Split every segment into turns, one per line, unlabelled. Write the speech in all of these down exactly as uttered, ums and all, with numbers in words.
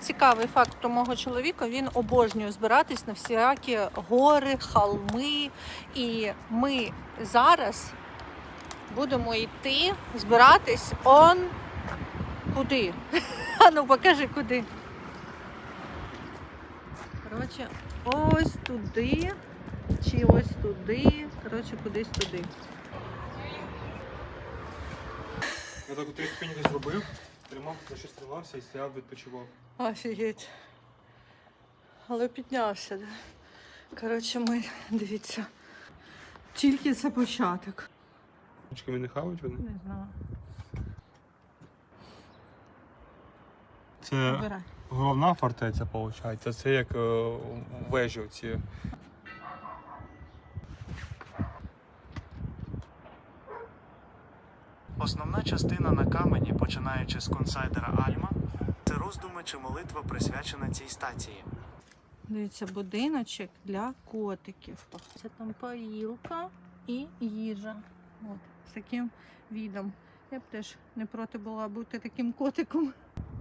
цікавий факт про мого чоловіка. Він обожнює збиратись на всякі гори, холми. І ми зараз будемо йти збиратись он куди? А ну покажи куди. Коротше, ось туди, чи ось туди, коротше, кудись туди.
Я так у три ступеньки зробив, тримав, ще стрілався і стояв, відпочивав.
Офігеть. Але піднявся, да? Коротше, ми, дивіться, тільки це початок.
Ручками не хавають вони?
Не знаю.
Це
Вибирай.
головна фортеця, виходить. Це як е, вежі оці.
Основна частина на камені, починаючи з консайдера Альма, це роздуми чи молитва, присвячена цій стації.
Дивіться, будиночок для котиків. Це там поїлка і їжа. От, з таким відом. Я б теж не проти була бути таким котиком.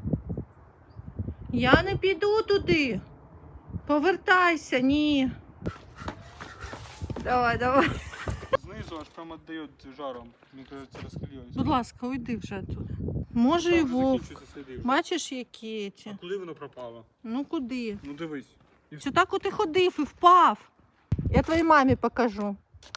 Я не піду туди. Повертайся, ні. Давай, давай.
Знизу аж прямо віддає жаром. Мені кажеться, розхилюється.
Будь ласка, уйди вже туди. Може і вовк. Бачиш, які ці?
А куди воно пропало?
Ну куди?
Ну дивись.
Чи так от ти ходив і впав? Я твоїй мамі покажу.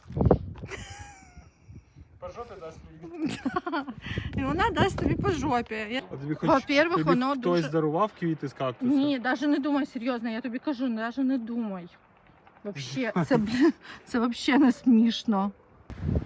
По жопі дасть мені.
І вона дасть тобі по жопі. Я...
А тобі хоч
Во-первых,
тобі
воно
хтось
дуже...
дарував квіти з кактуса?
Ні, навіть не думай, серйозно, я тобі кажу, навіть не думай. Вообще, це, це взагалі не смішно.